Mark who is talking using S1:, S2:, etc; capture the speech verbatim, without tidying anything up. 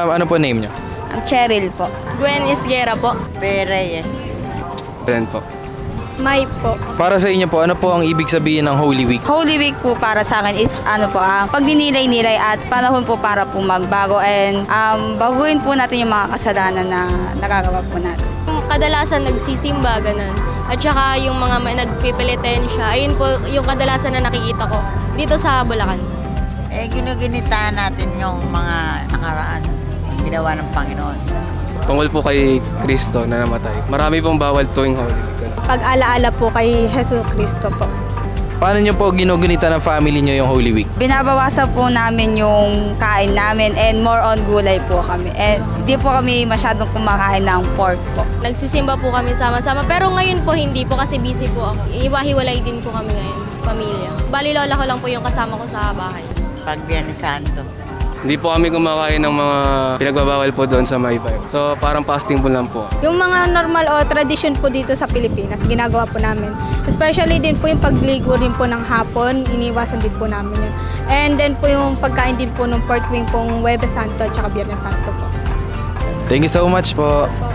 S1: Ah, ano po name niyo?
S2: Um, Cheryl po.
S3: Gwen Isguera po.
S4: Pereyes.
S1: Then po.
S3: May po.
S1: Para sa inyo po, ano po ang ibig sabihin ng Holy Week?
S2: Holy Week po para sa akin is ano po, ang pagdinilay-nilay at panahon po para po magbago and um, baguhin po natin yung mga kasalanan na nagagawa po natin.
S3: Kadalasan nagsisimba, ganun. At saka yung mga may nagpipilitensya, ayun po yung kadalasan na nakikita ko dito sa Bulacan.
S4: Eh, ginuginitaan natin yung mga nakaraan, ang ginawa ng Panginoon.
S5: Tungkol po kay Kristo na namatay. Marami pong bawal tuwing Holy Week.
S3: Pag-alaala po kay Jesu Cristo po.
S1: Paano niyo po ginugunita ng family niyo yung Holy Week?
S2: Binabawasan po namin yung kain namin and more on gulay po kami. And hindi po kami masyadong kumakain ng pork po.
S3: Nagsisimba po kami sama-sama, pero ngayon po hindi po kasi busy po ako. Iwahiwalay din po kami ngayon, pamilya. Bali lola ko lang po yung kasama ko sa bahay.
S4: Pag Biyernes Santo.
S5: Hindi po kami kumakain ng mga pinagbabawal po doon sa Maypay. So parang fasting po lang po.
S6: Yung mga normal o tradisyon po dito sa Pilipinas, ginagawa po namin. Especially din po yung pagligo rin po ng hapon, iniwasan din po namin yun. And then po yung pagkain din po ng pork wing pong Huwebes Santo at saka Biyernes Santo po.
S1: Thank you so much po.